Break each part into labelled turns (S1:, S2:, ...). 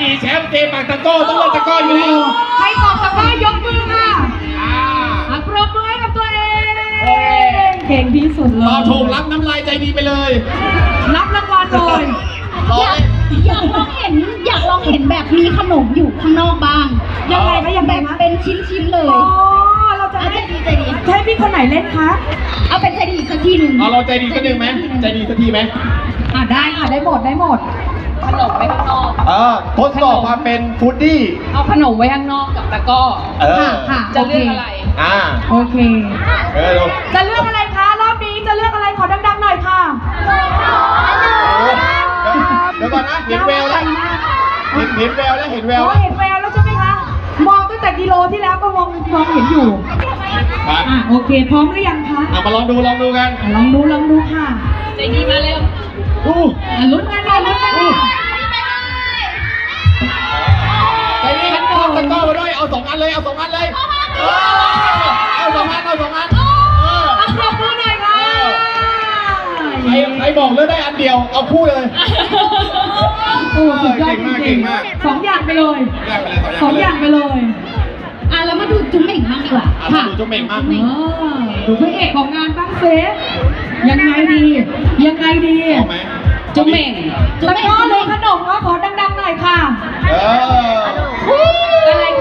S1: ดีแชมป์เกมปากตะก้อต้องเล่นตะก้ออยู่แล้ว
S2: ใครตอบตะกร้ายกมือค่ะปรบมือให้กับตัวเอง เก่งที่สุดเลย
S1: ตอบถูกรับน้ำลายใจดีไปเลย
S2: รับรางวัลเลย
S3: อยากลองเห็นแบบมีขนมอยู่ข้างนอกบ้าง
S2: ยังไงคะยังไง
S3: แบบ
S2: คะ
S3: เป็นชิ้นๆเลย
S2: อ๋อเราจะให้
S3: ใจดี
S2: จะให้พี่คนไหนเล่นคะ
S3: เอาเป็นใจดีอีกสักทีหนึ่ง
S1: เราใจดีสักหนึ่งไหมใจดีสักทีไหม
S2: ได้ค่ะได้หมดได้หมด
S4: ขนมไว้ข้างนอก
S1: ทดสอบความเป็นฟูดดี้
S4: เอาขนมไว้ข้างนอกกับตะกร้อ
S2: ค่ะ
S4: จะเลือกอะไร
S2: โอเค
S1: ดู
S2: จะเลือกอะไรคะรอบนี้จะเลือกอะไรขอดังๆหน่อยค่ะ
S1: เดี๋ยวก่อนนะเห็นแววแล้วเห็นแววแล้วเห็นแวว
S2: เห็นแววแล้วใช่ไหมคะ มองตั้งแต่กิโลที่แล้วก็มองเห็นอยู่ โอเค พร้อมหรือยังคะ
S1: มาลองดูกัน
S2: ลองดูค่ะ
S4: ใจดีมาเร็ว
S2: ลุ้นกันค่ะลุ้นกันค่ะ
S1: ใจดีกันตะก้อมาด้วยเอา2 อันเลยเอา2 อันเลยเอา2 อัน
S2: ปรบมือหน่อยค่ะ
S1: ใครบอกเลือกได้อันเดียวเอาคู่เลย
S2: โอ้สุดยอดจ
S1: เก่
S2: ริง
S1: งมาก
S2: ๆ2 อย่างไปเลย
S1: แยกไปเลย
S2: 2 อย่างไปเลย
S3: แล้วมาดูจุ๊มเหม่งบ้างดีกว่า
S1: ค่ะดูจุ๊บเหม่งมาก
S2: ดูพระเอกของงานบ้างเซยังไงดียังไงดี
S1: เอาไหม
S4: จุ๊บเหม่ง
S2: ตะกร้อเลยขนมว่าขอดังๆหน่อยค่ะ อะไรคะ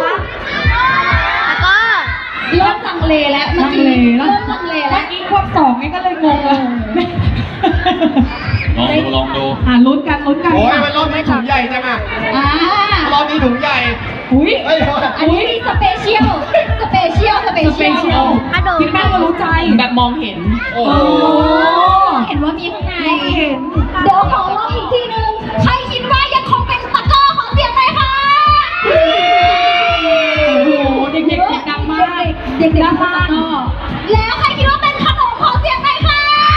S3: เริ่มลังเลแล้วเมื่อกี้เริ่มลังเล
S2: เมื่
S3: แล้
S2: อ
S3: ว
S2: กี้ควบ2นี่ก็เลยงงเลย
S1: ลองดู
S2: ลุ้นกัน
S1: โอ้ยมันรอบนี้ถุงใหญ่จังอ่ะรอบนี้ถุงใหญ่
S2: อุ้ย
S3: อันนี้มีสเปเชียล
S2: พี่แป้งก็รู้ใจ
S4: แบบมองเห็น
S1: โอ้
S2: โอ้
S3: เห็นว่ามีข้างใน
S2: เห็น
S3: เดี๋ยวขอลองอีกทีนึง ใครคิดว่ายังคงเป็นตะกร้อขอเสียงหน่อยค่ะ
S2: โอ้โหเด็กๆดังมาก
S3: เด็กๆดังมากแล้วใครคิดว่าเป็นขนมขอเสียงหน่อยค่ะ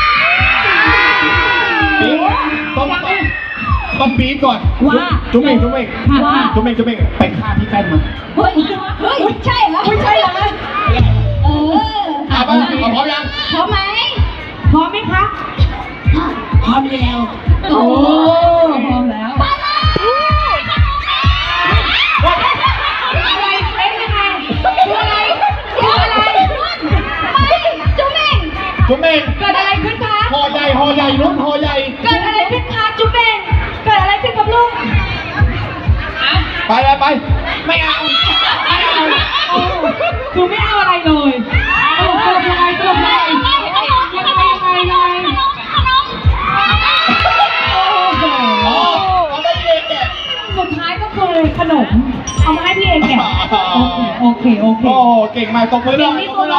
S1: ต้องปี๊ดก่อน
S2: ว่า
S1: จุ๊บเหม่ง
S2: ว่า
S1: ไปฆ่าพี่แป้นมา
S3: เฮ้ยใช่เหรอ
S2: ไม่ใช่เหรอ
S1: เอาป่ะพร้อมยัง
S3: พร้อมไหม
S2: พร้อมไหมคะ
S3: พร้อมแล้ว
S2: โอ้พร้อมแล้ว
S3: ไปเลย
S2: อะไรเป็นยังไงคืออะไร
S3: เดี๋ยวอะไรไม่จุ๊บเอง
S1: จุ๊บเหม่ง
S2: เกิดอะไรขึ้นคะ
S1: ห่อใหญ่นุ่นห่อใหญ่
S2: เกิดอะไรขึ้นคะจุ๊บเองเกิดอะไรขึ้นกับลูก
S1: ไปไม่เอา
S2: คือไม่เอาอะไรเลยสรุปยังไงยังไงโอ้โห
S1: เอาไม่เด็กแก
S2: สุดท้ายก็คือขนม เอามาให้พี่เองเนี่ยโอเค
S1: โอ้เก่งมากตบมือหน่อย
S2: ที่สุดเลย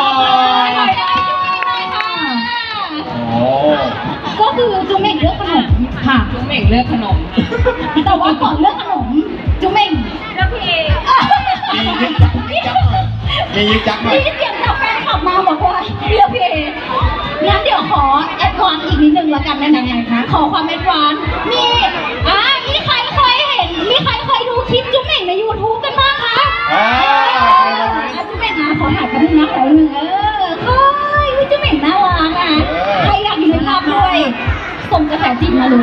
S1: โอ้
S3: ก็คือจุ๊บเองเลือกขนม
S2: ค่ะ
S4: จุ๊บเหม่งเลือกขนม
S3: แต่ว่าก่อนเลือกขนมจุ๊บเองเลือกพี่เอ
S1: มียึกยักหน่อย
S3: มีเสียงจากแฟนคลับมาบอกว่าเลือกพี่เองั้นเดี๋ยวขอแอดวานซ์อีกนิดนึงละกันได้ไหมคะขอความแอดวานซ์มีใครเคยเห็นมีใครเคยดูคลิปจุ๊บเองใน YouTube กันบ้างคะจุ๊บเองนะขอถ่ายกันนึงนะขอนึงเฮ้ยจุ๊บเองน่ารักใครอยากอยู่ในภาพด้วยส่งกระแสจิตมาเลย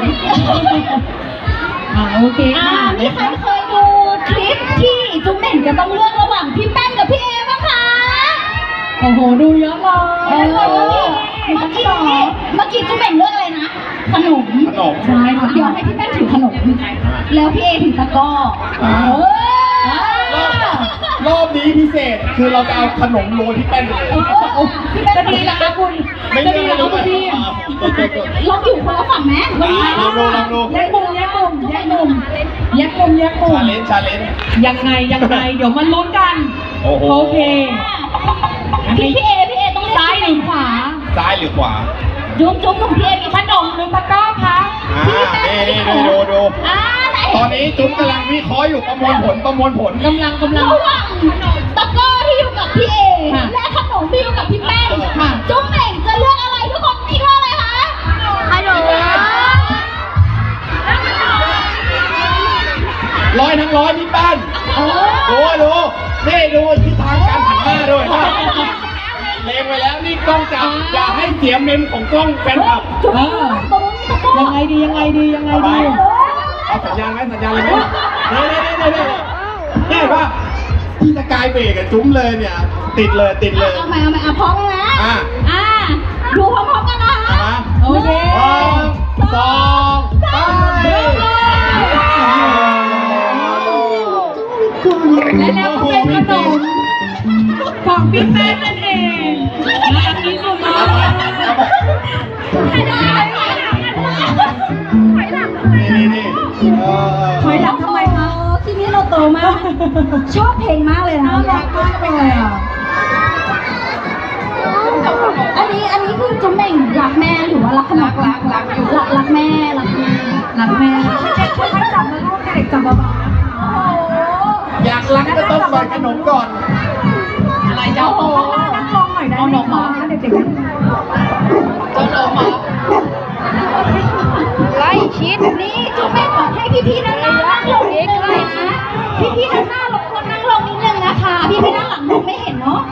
S2: โอเคค่ะ
S3: มีใครเคยดูคลิปที่จุ๊บเม่งจะต้องเลือกระหว่างพี่แป้นกับพี่เอบ้างคะ
S2: โอ้โหดูเยอะเลย
S3: เมื่อกี้จุ๊บเม่งเลือกอะไรนะ ขนม
S2: ใช่ค่ะ
S3: เดี๋ยวให้พี่แป้นถือขนม แล้วพี่เอถือตะกร้อ
S1: รอบนี้พิเศษคือเราจะเอาขนมโรยที่แป้นเลย
S2: จะดีเหรอคะคุณจะดีเหรอคะคุณพี่
S3: เราอยู่คนละฝั่งไหม
S1: ลองดู
S2: แยกมุม
S1: ชาเลนจ์
S2: ยังไงเดี๋ยวมันลุ้นกัน
S1: โอ้โห
S2: โอเค
S3: พี่เอต้องเลือก
S2: ซ้ายหรือขวา
S1: ซ้ายหรือขวา
S3: จุ๊บของพี่เอมี
S2: ขนมหรือตะกร้อคะ
S1: นี่ดู
S3: ไหน
S1: ตอนนี้จุ๊บกำลังวิเคราะห์อยู่ประมวลผล
S2: กำลัง
S3: ระหว่างตะกร้อที่อยู่กับพี่เอและขนมที่อยู่กับพี่แป้งจุ๊บเองจะเลือกอะไรทุกคนคิดว่าอะไรคะขนม
S1: 100 ทั้ง 100พี่แป้นดูนี่ดูทิศทางการหันหน้าด้วยเลงไปแล้วนี่กล้องจับอย่าให้เสียเมมของกล้องแฟนคลับ
S3: จุ๊บตรงนี้ตะกร้อ
S2: ยังไงดี
S1: เอาสัญญาณเลยไหมเนี่ยว่าพี่สกายเบรกกับจุ้มเลยเนี่ย ติดเลย
S3: เอาใหม่พร้อมไหม
S1: อ่ะ
S3: ดูพร้อมๆกันนะคะ
S1: มา
S2: โอเค
S1: 1 2 ไป
S2: และแล้วก็เป็นขนมของพี่แป้งนั่นเองและอันนี้สุดยอด
S3: ไม่ได้
S1: นี่
S2: ถอยหลังทำไมคะ
S3: ทีนี้เราโตมาก ชอบเพลงมากเลยนะ
S2: น่ารักมากเลยอ่ะ
S3: อันนี้คือจุ๊มเหม่งรักแม่หรือว่ารักขนมรักอยู่รักแม่รักแม่
S2: รักแม่เด็กค่อยๆจับนะลูกเด็กจับเบาๆนะคะ
S3: โอ้โห
S1: อยากรักก็ต้องเปิดขนมก่อน
S4: อะไรเจ้าโอ้
S2: นั่งลงหน่อยได้ไหมคะเด็กๆนั่ง
S4: เจ้าโนมเหรอ
S3: ไล่ชิดนี่จุ๊มเหม่งบอกให้พี่ๆนั่งลงนิดนึงนะพี่ๆนั่งลงคนนั่งลงนิดนึงนะคะพี่ๆนั่งหลังมองไม่เห็นเนาะ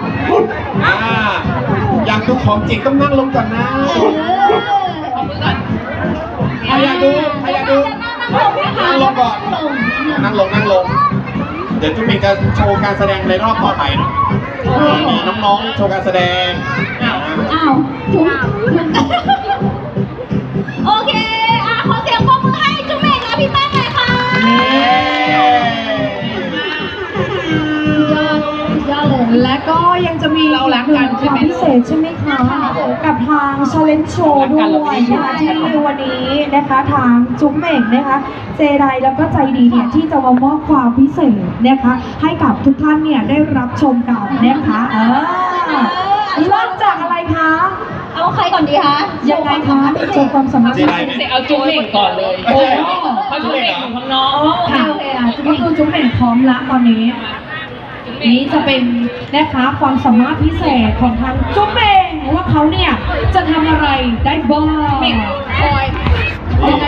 S1: อยากดูของจริงต้องนั่งลงก่อนนะ
S4: เอามือก่อน
S1: ใครอยากดู นั่งลงก่อน นั่งลง เดี๋ยวจุ๊มิงจะโชว์การแสดงในรอบต่อไปเนาะมีน้องๆโชว์การแสดง
S3: อ้าวจุ๊มโอเคขอเสียงปรบมือให้จุ๊มเองและพี่แป้งหน่อยค่ะยอดเลย
S2: และก็ยังจะมี
S4: เรารักกันใช่ไหม
S2: พิเศษใช่ไหมคะ กับทาง Challenge Show ด้วยนะคะที่วันนี้นะคะทางจุ๊มเหม่งนะคะเจไดแล้วก็ใจดีเนี่ยที่จะมามอบความพิเศษนะคะให้กับทุกท่านเนี่ยได้รับชมกันนะคะเริ่มจากอะไรคะ
S3: เอาใครก่อนดีคะ
S2: ยังไงคะโชว์ความสามารถ
S1: เจไดไหม
S4: เอาจุ๊มเหม่งก่อนเลย
S1: โอ้โห
S4: เพราะจุ๊มเหม่งอยู่ข้างนอก
S2: ค่ะก็คือจุ๊มเหม่งพร้อมละตอนนี้ นี้จะเป็นนะคะความสามารถพิเศษของทางจุ๊บเองว่าเขาเนี่ยจะทำอะไรได้บ้าง
S4: คอย
S2: ยังไง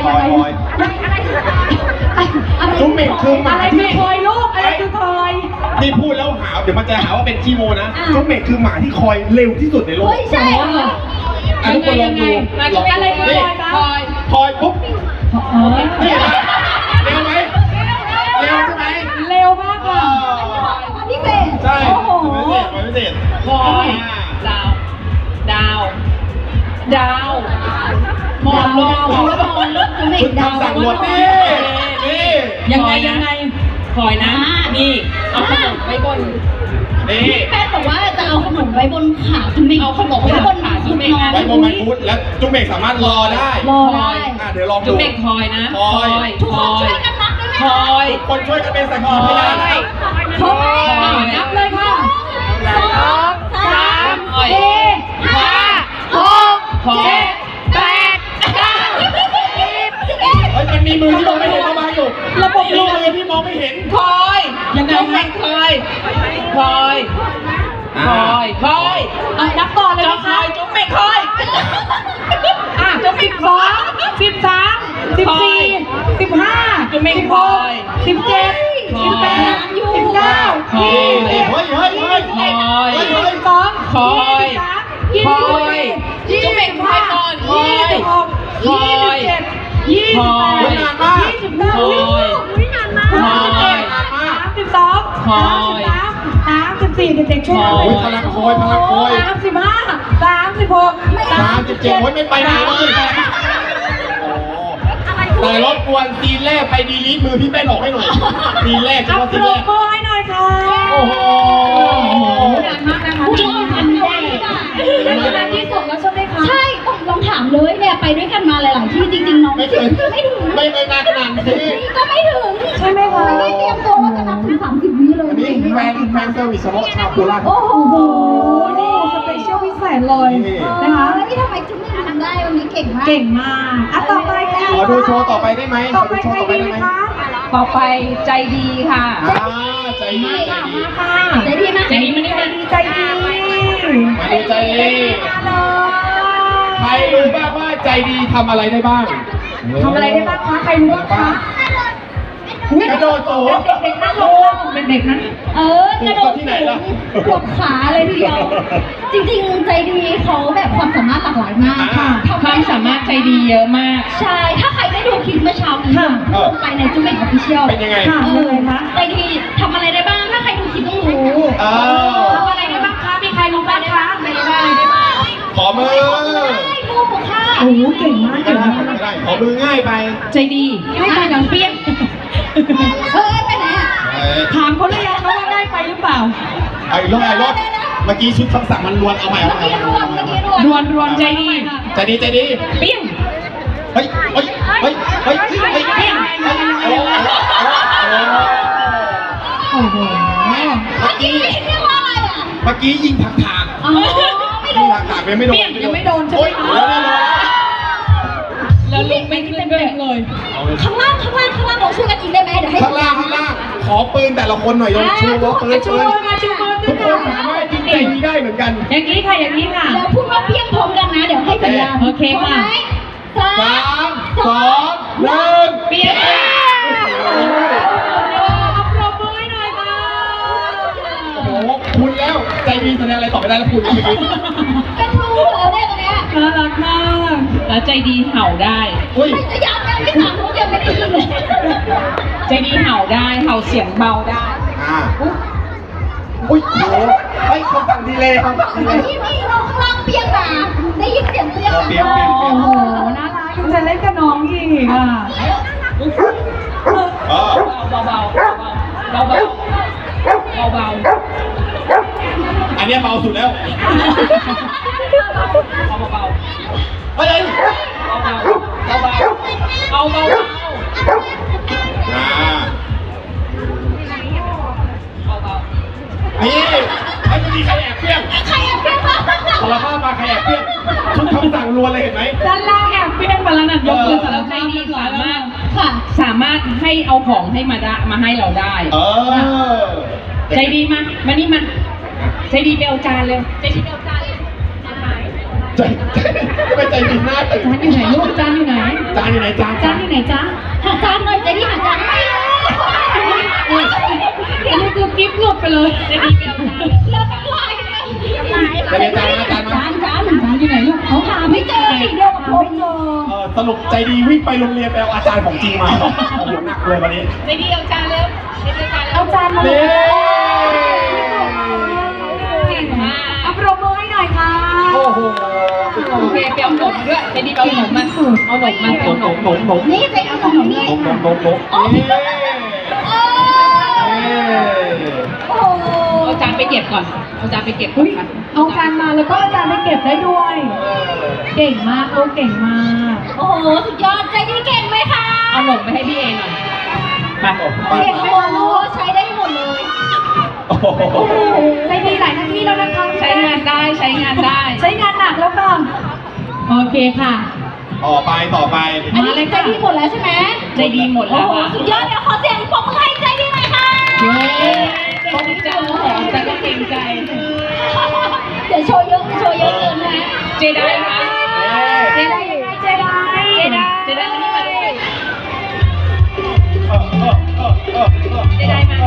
S1: จุ๊บเหม่งคือหมา
S2: อะไร
S1: ที่
S2: คือคอยลูกอะไรคือคอย
S1: นี่พูดแล้วหาเดี๋ยวมันจะหาว่าเป็นขี้โมนะ จุ๊บเหม่งคือหมาที่คอยเร็วที่สุดในโลก
S3: เฮ้ยใช่
S1: ทุกคนลองดู
S2: อะไรคือคอยคะ
S1: คอยปุ๊บ
S2: เออ
S1: นี่เร็วไหมเร็วใช่ไหม
S2: เร็วมากค่ะ
S3: วันที่เศษ
S1: ใช่
S3: โอ้โห
S1: ไม่พิเศษ
S4: คอยดาวดาวมองลง
S3: จุ๊มเอ
S1: คุ
S3: ง
S1: ณ
S3: ดาว
S1: ทำสั่งหมดนี่นี่
S2: ยังไง
S4: คอยนะ นี่เอาขนมไว้บน
S1: นี่
S3: แป้งบอกว่าจะเอาขนมไว้บนขาจุ๊มเอง
S4: เอาขนม
S3: ไว้บน
S4: ขาจุ๊มเอง
S3: น้อง
S1: ไว้บนมันพุธแล้วจุ๊บเหม่งสามารถรอได้
S3: รอได้
S1: เดี๋ยวลองดู
S4: จุ๊มเหม่งคอยนะ
S1: คอย
S3: ทุกคนช่วยกันนับได้ไหม
S4: คอย
S1: ทุกคนช่วยกันเป็นสักขีพยานนะ
S3: พร้อมไหม
S2: นับเลยค่ะ
S3: 2 3
S4: คอย
S3: 4 5 6
S4: คอย
S3: 7 8 9
S1: เฮ้ยมันมีมือที่มองไม่เห็นเข้ามาอยู่
S2: ระบบ
S1: มีมือที่มองไม่เห็น
S4: คอย
S2: ยังไง
S4: จุ๊มเหม่งคอยคอยคอย
S2: นับก่อนเลย
S4: จะ
S2: นะ
S4: ค
S2: คะ
S4: อยจุ๊มเหม่งคอย
S2: 12 13 14 15
S4: จุ๊มเหม่งคอย
S2: 17 18 19
S1: เฮ้ยเฮ้ยเฮ้ยเฮ้ย
S4: คอย
S2: 22
S4: คอย
S2: 23
S4: คอยจุ๊บเหม่งคอยก่อนคอย
S2: 26 27 28
S1: นานมาก
S2: 29 วินานมาก 32
S4: คอย
S2: 33 34เด็กๆช่วยกัน
S1: โอ้ยพลังคอยพลังคอย
S2: 35 36
S1: 37โอ้ยไม่ไปไหนเลยแต่รบกวนซีนแรกไปดีลีทมือพี่แป้นออกให้หน่อยซีนแรกเฉ
S2: อัพ
S1: พาะ
S2: โป
S1: ซีน
S2: ร
S1: แรก
S2: โมทให้หน่อยค่ะ
S1: โอ้โห
S2: นานมากนะคะ
S3: จริงอันนี้ได้
S2: เป็นนานที่สุดแล้วใช่ไหมคะ
S3: ใช่ต้องลองถามเลยเนี่ยไปด้วยกันมาหลาย ๆ ที่จริง ๆ น้อง
S1: ไม่เคย
S3: ไม่ถึง
S1: ไม่เคยมาขนาดนี้
S3: นี่ก็ไม่ถึง
S2: ใช่ไหมคะ
S3: ไม่ได้เตรียมตัวว่าจะนับถึง30 วิเลย
S1: อันนี้แฟนเซอร์วิสเฉพาะชาวโคราช
S3: โอ้โห
S2: โอ้โหนี่สเปเชียลพิเศษเลยนะคะ
S3: นี่ทำไมจุ๊บไม่ทำได้วันนี้เก่งมาก
S2: เก่งมากอ่ะต่อไปค่ะ
S1: ขอดูโชว์ต่อไปได้ไหมข
S2: ต่อ
S1: อ
S2: ไป
S1: ดูโช
S2: ใคร
S1: ว์ต่อไป
S2: ดี
S1: ได้ไหม
S2: คะ
S4: ต่อไปใจดีค่ะ
S1: ใจดีใจดี
S2: มาค่ะ
S3: ใจดีนะ
S4: ใจดีมานี่มา
S2: ใจดี
S1: มาดูใจดี
S2: มาเลย
S1: ใครรู้บ้างว่าใจดีทำอะไรได้บ้าง
S2: ทำอะไรได้บ้างคะใครรู้บ้างคะ
S1: กระโดดสูง
S2: เด็กๆนั่งลงเด็กๆนั่ง
S3: กระโดด
S1: ที่ไหนล่ะ
S3: ปวดขาเลยทีเดียว จริงๆใจดีเขาแบบความสามารถหลากหลายมาก
S1: อ่า
S4: ความสามารถใจดีเยอะมาก
S3: ใช่ ถ้าใครได้ดูคลิปเมื่อเช้านี้ลงไปในจุ๊บเม่งออฟฟิเชียล
S1: เป็นยังไง
S2: ค่ะยังไงคะ
S3: ใจดีทำอะไรได้บ้าง ถ้าใครดูคลิปต้องรู้
S1: เออ
S2: ทำอะไรได้บ้างคะมีใครรู้บ้างคะ
S3: ไม่ได้บ้าง
S1: ขอมือ
S3: ได้ดูค่ะ
S2: โอ้โหเก่งมาก
S1: ก็
S2: เก่ง
S1: ได้
S2: มาก
S1: ก็ได้ขอมือง่ายไป
S4: ใจดีให้ไปดังเปี้ยง
S3: ไปไหนอ่ะ
S2: ถามเขาเลยยังคะว่าได้ไปหรือเปล่า
S1: ไอ้รถเมื่อกี้ชุดคำสั่งมันลวนเอาใหม่
S3: เมื่อกี้รวม
S4: รวนรวนใจดี
S1: ใจดีใจดี
S4: เปี้ยง
S1: เฮ้ยเฮ้ยเฮ้ยเฮ้ยเฮ้ยเปี้ยงโอ้โห
S2: โอ้โห
S3: เมื่อกี้เรียกว่าอะไรอ่ะ
S1: เมื่อกี้ยิงถักถาก
S3: อ๋อไม่โด
S1: ยิง
S3: น
S1: ถักถากไม่โดน
S2: ยังไม่โดนใช่ไหม
S1: โอ๊ย
S2: คะ
S1: แล้วเนี่ย
S4: แล้วลงไม่ขึ้นด้วย
S2: เลย
S3: ข้างล่างเราช่วยกันอีกได้ไหมเดี๋ยวให้
S1: ข้างล่างขอปืนแต่ละคนหน่อยลองชูว่าปืน
S2: ชู
S1: ปืน
S2: มือมาชูมือ
S1: ทุกคนสามารถยิงใจนี้ได้เหมือนกัน
S2: อย่างนี้ค่ะอย่างนี้ค่ะ
S3: แล้วพูดว่าเพียงพร้อมกันนะ เดี๋ยวให้สัญญาณ
S2: โอเคค่ะ
S3: พร้อมไหม
S1: 3 2 1
S2: เปียกเอาปรบมือให้หน่อยค่ะ
S1: โอ้โหคุณแล้วใจดีแสดงอะไรต่อไม่ได้แล้วคุณเมื่อกี้
S3: เป็นครูแล้วเนี่ยตอนเนี้ย
S2: น่ารักมาก
S4: แล้วใจดีเห่าได้
S1: อุ้ย
S3: ไม่ยังไม่ถามเขายังไม่ได้ยินเลย
S4: ใจดีเห่าได้เห่าเสียงเบาได้
S1: อุ้ยโอ้โหเฮ้ยคำสั่งดีเลยคำสั่งดีเลย
S3: ที่นี่เราข้างล่างเปียกมาได้ยินเสียงเปียก
S1: เปียก
S2: โอ้โหน่ารักยังจะเล่นกับน้องอีกอ่ะ
S1: เออ
S4: เบาเบาเบาเบาเบาเบา
S1: อันเนี้ยเบาสุดแล้ว
S4: เอาเบา
S1: เฮ้ย
S4: เอาเบาเอาเบาเอาเบา
S1: อ่า
S4: เอาเบา
S1: นี่ไอ้พอดีใครแอบเปี้ยง
S3: ใครแอบเปียกมา
S1: สารภาพมาใครแอบเปี้ยงชุดคำสั่งรวนเลยเห็นไหม
S2: ด้านล่างแอบเปี้ยงไปแล้วนั่นยกมือสาร
S4: แล้วใจ
S2: ภาพ
S4: ดีสามารถ
S3: ค่ะ
S4: สามารถให้เอาของให้มาให้เราได้
S1: เออ
S4: ใจดีมานี่มาใจดีไปเอาจานเร็วใจดีไปเอาจานเร็ว
S1: ใจไม่ใจดีหน้าตื่น
S2: จานอยู่ไหนลูกจานอยู่ไหน
S1: จานอยู่ไหนจาน
S2: จานอยู่ไหนจ๊ะ
S3: หาจานหน่อยใจดีหาจานไม่รู้
S2: อันนี้คือกิ๊บหลุดไปเลย
S4: ใจดีไปเอาจาน
S3: แล้วก็ลายไป
S1: จะเป็นจานนะจาน
S3: จา
S1: นะ
S3: นจาน
S2: จานอยู่ไหนลูกเขา
S3: หาไม่เจอสีเดียวกับผม
S2: ไม่เจอ
S1: สรุปใจดีวิ่งไปโรงเรียนไปเอาอาจารย์ของจริงมาโอ้โหหนักเลยวันนี้
S4: ใจดีเอาจานเร็วใจดีเอาจานเร็ว
S2: เอาจานมา
S1: นี่
S2: เก่งมากเอาปรบมือให้หน่อยค่ะ
S1: โอ้โห
S4: โอเคไปเอาหนมด้วยใจดีไปเอาหนมมาเอาหนมมา
S1: หน
S4: เอา
S1: ม
S4: ห
S1: ห
S4: น
S1: น
S4: ม
S1: มหนมหนม
S3: นี่ใจเอาของนี่
S1: หนมหนมหนมหนมนี่
S3: โอ้โห
S4: เอาจานไปเก็บก่อนเอาจานไปเก็บก่อ
S2: เฮ้
S4: น
S2: ย
S4: ค่ะ
S2: เอาจานมาแล้วก็เอาจานไปเก็บได้ด้วย เก่งมากโอ้เก่งมาก
S3: โอ้โหสุดยอดใจดีเก่งไหมคะ
S4: เอาหนมไปให้พี่เอหน่อยไป
S3: เก่งไหมคะลูกใช้ได้หมดเลย
S1: โอ้โห
S2: โอ้โหใจดีหลายหน้าที่แล้วนะคะ
S4: ใช้งานได้ใช้งานได้
S2: ใช้งานหนักแล้วค่ะโอเคค่ะ
S1: ต่อไป
S3: อันนี้ใจดีหมดแล้วใช่ไหม
S4: ใจดีหมด
S3: โอ้
S4: แล้ว
S3: โห
S4: ค่ะ
S3: สุดยอดเดี๋ยวขอเสียงปรบมือให้ใจดีหน่อยค่ะ
S2: เย้
S4: ต้องจะหอมแต่ก็เกรงใจ
S3: เดี๋ยวโชว์เยอะเกินนะ
S4: เจไดค่ะ
S2: เจไดยังไงเจได
S4: เจไดมานี่มาด้วย
S1: เจไดมา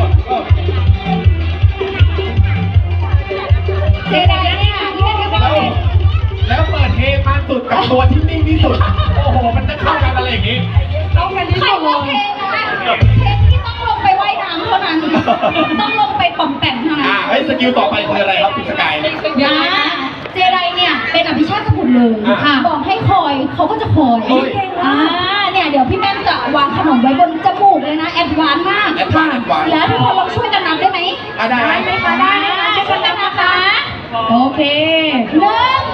S3: เจไดเนี่ยที่เป็นกระบอก
S1: แล้วเปิดเพลงมาสุดกับตัวที่นิ่งที่สุด โอ้โห มันจะเข้ากันอะไรอย่างนี้
S2: ต้องกันที่
S3: ใคร
S2: สุดเล
S3: ว่าย เพลงที่ต้องลงไปว่ายน้ำเท่านั้น ต้องลงไปป่องแต่งเท่านั้น
S1: เฮ้ยสกิลต่อไปคืออะไรครับคุณสกาย
S3: นะเจไดเนี่ยเป็นอภิชาติบุตรเลย
S1: อ่า
S3: บอกให้คอยเขาก็จะคอย
S1: เฮ้ย
S3: เนี่ยเดี๋ยวพี่แม่จะวางขนมไว้บนจมูกเลยนะแอดวานซ์มาก
S1: แอดวานซ์แอดวานซ์
S3: แล้วทุกคนลองช่วยกันนับได้ไหม
S1: ได้ไหม
S3: ไหมคะได้ไหมคะช่วยกันนับนะคะ
S2: โอเค
S3: 1 2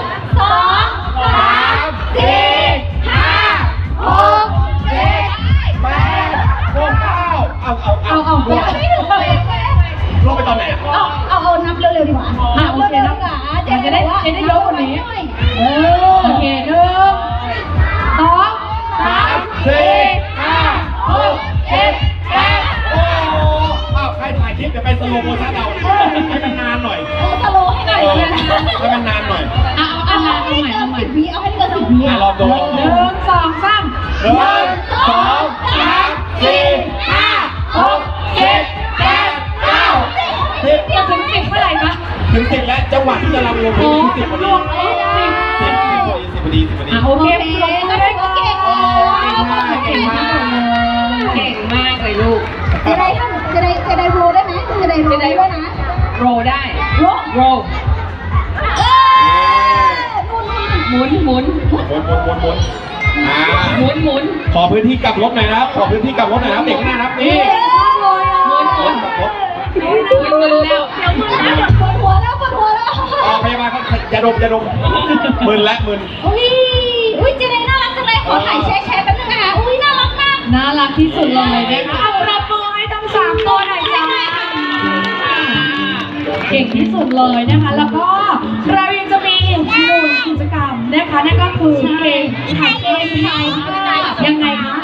S3: 3 4 5 6 7
S1: แปดหกเก้าเอา
S3: เดี๋ยวไม่ถึงเลย
S1: ลงไปตอนไหนอะ
S3: เอานับเร็วๆดีกว่า
S2: โอเค
S3: เร็วๆดีกว่า
S2: จะได้เยอะกว่านี้
S3: เออ
S2: โอเคหนึ่งสอง
S1: 3 4 5 6 7 8โอ้โหใครถ่ายคลิปเดี๋ยวไปสโลโมชั่นเอาให้มันนานหน่อย
S3: สโลว์ให้หน่อย
S1: ให้มันนานหน่อย
S3: เอาให้เกิน10 วิเอาให้เกิน10 วิ
S1: ลองดู
S2: หนึ่งสองสาม
S1: 1 2 3 4 5 สิบพอดี 10 พอดี
S4: อ่ะโอเค
S3: โอเค
S4: ปรบมือด้วยค่ะ
S3: เก่ง
S4: เก่งมากเก่งมากเลยลูก
S3: จะได้ทำจะได้โรได้ไหมจะได้โรได้ด้วยนะ
S4: โรได้
S3: โร
S4: โร
S3: นู่น
S4: หมุน
S1: หมุนอ่า
S4: หมุน
S1: ขอพื้นที่กลับรถหน่อยนะครับ ขอพื้นที่กลับรถหน่อยนะครับเด็กข้างหน้านะครับนี่
S4: หมุน
S1: รถกลับรถ
S4: มึนแล้ว
S3: ปวดหัวแล้ว
S1: พยาบาลเขาอย่าดมมึนและมึน
S3: อุ้ยเจเนน่ารักจังเลยขอถ่ายแชร์แป๊บนึงนะคะอุ้ยน่ารักมาก
S2: น่ารักที่สุดเลยนะคะเอาปรบมือให้ทั้ง3ตัวหน่อยจ้าเก่งที่สุดเลยนะคะ แล้วก็เรายังจะมีอีก1กิจกรรมนะคะนั่นก็คือเกมถ่ายเกมถ่ายภาพยังไงคะ